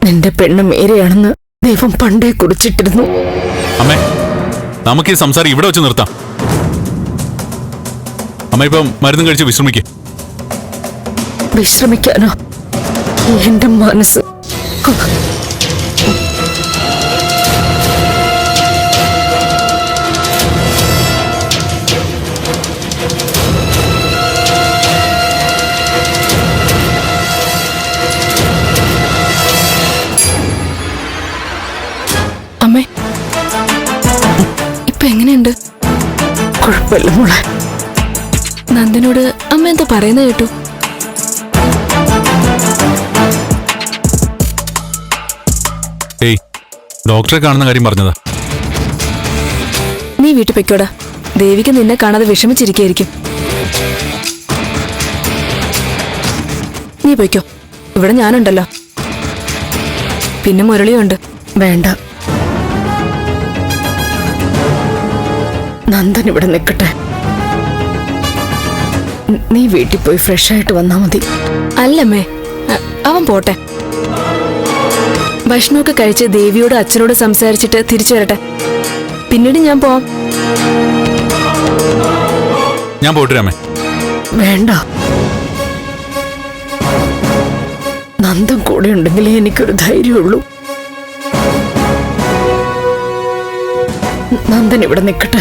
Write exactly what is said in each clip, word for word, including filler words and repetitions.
നിന്റെ പെണ്ണ് മേരെയാണെന്ന് ദൈവം പണ്ടേ കുറിച്ചിട്ടിരുന്നു. അമ്മേ, നമുക്ക് ഈ സംസാരം ഇവിടെ വെച്ച് നിർത്താം. അമ്മ ഇപ്പം മരുന്നും കഴിച്ച് വിശ്രമിക്കേ. വിശ്രമിക്കാനോ? എന്റെ മനസ്സ് അമ്മേ, ഇപ്പൊ എങ്ങനെയുണ്ട്? കുഴപ്പമില്ല മോളെ. നന്ദനോട് അമ്മ എന്താ പറയുന്നത് കേട്ടു? ഏയ്, ഡോക്ടറെ കാണുന്ന കാര്യം പറഞ്ഞതാ. നീ വീട്ടിൽ പൊയ്ക്കോടാ. ദേവിക്ക് നിന്നെ കാണാതെ വിഷമിച്ചിരിക്കുകയായിരിക്കും. നീ പൊയ്ക്കോ, ഇവിടെ ഞാനുണ്ടല്ലോ. പിന്നെ മുരളിയുണ്ട്. വേണ്ട, നന്ദൻ ഇവിടെ നിൽക്കട്ടെ. നീ വീട്ടിൽ പോയി ഫ്രഷ് ആയിട്ട് വന്നാ മതി. അല്ലമ്മേ, അവൻ പോട്ടെ. ഭക്ഷണമൊക്കെ കഴിച്ച് ദേവിയോട് അച്ഛനോട് സംസാരിച്ചിട്ട് തിരിച്ചു വരട്ടെ. പിന്നീട് ഞാൻ പോവാം. ഞാൻ പോയിട്ട് രാമേ. വേണ്ട, നന്ദൻ കൂടെ ഉണ്ടെങ്കിലേ എനിക്കൊരു ധൈര്യമുള്ളൂ. നന്ദൻ ഇവിടെ നിൽക്കട്ടെ.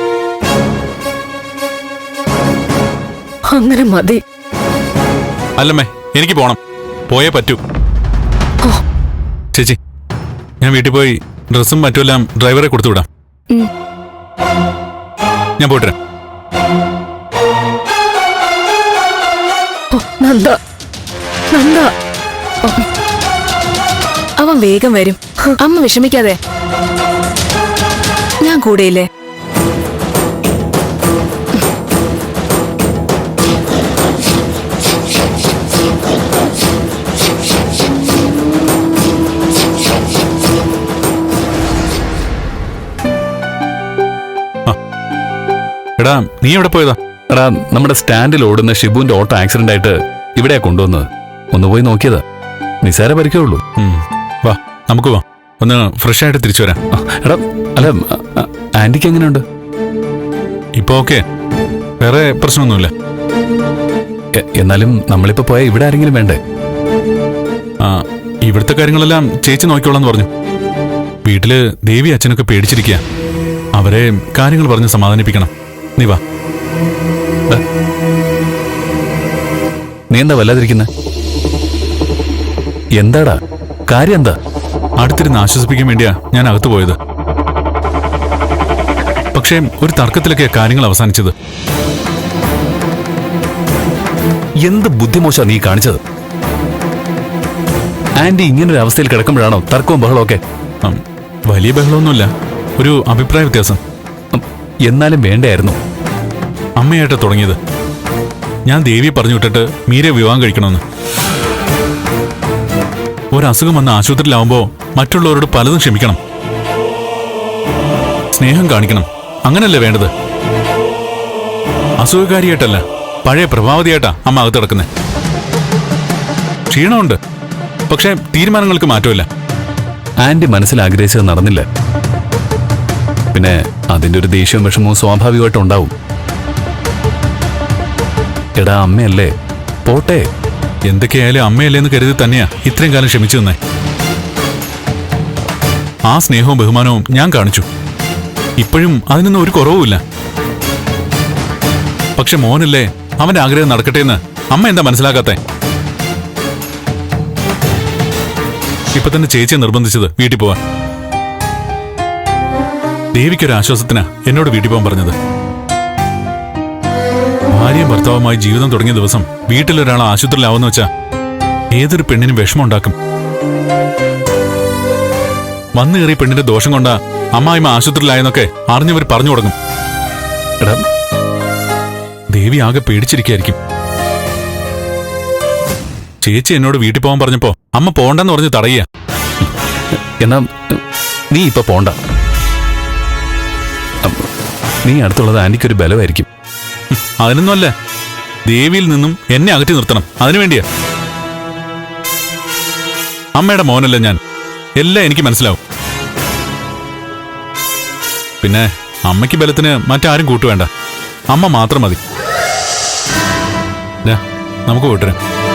അങ്ങനെ മതി. അല്ലമ്മേ, എനിക്ക് പോണം. പോയേ പറ്റൂ. ചേച്ചി, ഞാൻ വീട്ടിൽ പോയി ഡ്രസ്സും മറ്റുമെല്ലാം ഡ്രൈവറെ കൊടുത്തു വിടാം. ഞാൻ പോയിട്ട് നന്ദ, നന്ദ. അവൻ വേഗം വരും. അമ്മ വിഷമിക്കാതെ, ഞാൻ കൂടെയില്ലേ. എടാ, നീ എവിടെ പോയതാ? എടാ, നമ്മുടെ സ്റ്റാൻഡിൽ ഓടുന്ന ഷിബുവിന്റെ ഓട്ടോ ആക്സിഡന്റ് ആയിട്ട് ഇവിടെയാ കൊണ്ടുവന്നത്. ഒന്ന് പോയി നോക്കിയതാ. നിസാര പരിക്കേ ഉള്ളൂ. വാ, നമുക്ക് വാ. ഒന്ന് ഫ്രഷ് ആയിട്ട് തിരിച്ചു വരാം. എടാ, അല്ല, ആന്റിക്ക് എങ്ങനെയുണ്ട്? ഇപ്പൊ ഓക്കെ, വേറെ പ്രശ്നമൊന്നുമില്ല. എന്നാലും നമ്മളിപ്പോ പോയാൽ ഇവിടെ ആരെങ്കിലും വേണ്ടേ? ആ, ഇവിടുത്തെ കാര്യങ്ങളെല്ലാം ചേച്ചി നോക്കിക്കോളാന്ന് പറഞ്ഞു. വീട്ടില് ദേവി അച്ഛനൊക്കെ പേടിച്ചിരിക്കുക. അവരെ കാര്യങ്ങൾ പറഞ്ഞ് സമാധാനിപ്പിക്കണം. നീ വാ. നീ എന്താ വല്ലാതിരിക്കുന്നെ? എന്താടാ കാര്യം? എന്താ? അടുത്തിരുന്ന് ആശ്വസിപ്പിക്കാൻ വേണ്ടിയാ ഞാൻ അകത്തു പോയത്. പക്ഷേ ഒരു തർക്കത്തിലൊക്കെ കാര്യങ്ങൾ അവസാനിച്ചത്. എന്ത് ബുദ്ധിമോശ നീ കാണിച്ചത്? ആന്റി ഇങ്ങനൊരു അവസ്ഥയിൽ കിടക്കുമ്പോഴാണോ തർക്കവും ബഹളവും ഒക്കെ? വലിയ ബഹളമൊന്നുമില്ല, ഒരു അഭിപ്രായ വ്യത്യാസം. എന്നാലും വേണ്ടായിരുന്നു. അമ്മയായിട്ട് തുടങ്ങിയത്. ഞാൻ ദേവിയെ പറഞ്ഞു വിട്ടിട്ട് മീരെ വിവാഹം കഴിക്കണമെന്ന്. ഒരസുഖം വന്ന് ആശുപത്രിയിലാവുമ്പോ മറ്റുള്ളവരോട് പലതും ക്ഷമിക്കണം, സ്നേഹം കാണിക്കണം. അങ്ങനല്ലേ വേണ്ടത്? അസുഖകാരിയായിട്ടല്ല, പഴയ പ്രഭാവതിയായിട്ടാ അമ്മ അകത്ത് കിടക്കുന്നത്. ക്ഷീണമുണ്ട്, പക്ഷെ തീരുമാനങ്ങൾക്ക് മാറ്റമില്ല. ആന്റി മനസ്സിൽ ആഗ്രഹിച്ചത് നടന്നില്ല. പിന്നെ അതിന്റെ ഒരു ദേഷ്യവും വിഷമവും സ്വാഭാവികമായിട്ടും ഉണ്ടാവും. എടാ, അമ്മയല്ലേ, പോട്ടെ. എന്തൊക്കെയായാലും അമ്മയല്ലേന്ന് കരുതി തന്നെയാ ഇത്രയും കാലം ക്ഷമിച്ചു നിന്നേ. ആ സ്നേഹവും ബഹുമാനവും ഞാൻ കാണിച്ചു. ഇപ്പോഴും അതിനൊന്നും ഒരു കുറവുമില്ല. പക്ഷെ മോനല്ലേ, അവന്റെ ആഗ്രഹം നടക്കട്ടെ എന്ന് അമ്മ എന്താ മനസ്സിലാക്കാത്തെ? ഇപ്പൊ തന്നെ ചേച്ചിയെ നിർബന്ധിച്ചത് വീട്ടിൽ പോവാൻ. ദേവിക്കൊരു ആശ്വാസത്തിനാ എന്നോട് വീട്ടിൽ പോകാൻ പറഞ്ഞത്. ഭാര്യയും ഭർത്താവുമായി ജീവിതം തുടങ്ങിയ ദിവസം വീട്ടിലൊരാൾ ആശുപത്രിയിലാവുന്ന വെച്ചാ ഏതൊരു പെണ്ണിനും വിഷമം ഉണ്ടാക്കും. വന്നു കയറിയ പെണ്ണിന്റെ ദോഷം കൊണ്ടാ അമ്മായിമ്മ ആശുപത്രിയിലായെന്നൊക്കെ അറിഞ്ഞവർ പറഞ്ഞു തുടങ്ങും. എടാ, ദേവി ആകെ പേടിച്ചിരിക്കായിരിക്കും. ചേച്ചി എന്നോട് വീട്ടിൽ പോകാൻ പറഞ്ഞപ്പോ അമ്മ പോണ്ടെന്ന് പറഞ്ഞ് തടയുക. എന്നാ നീ ഇപ്പൊ പോണ്ട. നീ അടുത്തുള്ളത് ആന്റിക്കൊരു ബലമായിരിക്കും. അതിനൊന്നുമല്ല, ദേവിയിൽ നിന്നും എന്നെ അകറ്റി നിർത്തണം. അതിനുവേണ്ടിയാ. അമ്മയുടെ മോനല്ല ഞാൻ. എല്ലാം എനിക്ക് മനസ്സിലാവും. പിന്നെ അമ്മയ്ക്ക് ബലത്തിന് മറ്റാരും കൂട്ടുവേണ്ട. അമ്മ മാത്രം മതി. ദാ, നമുക്ക് പോയിട്ടേ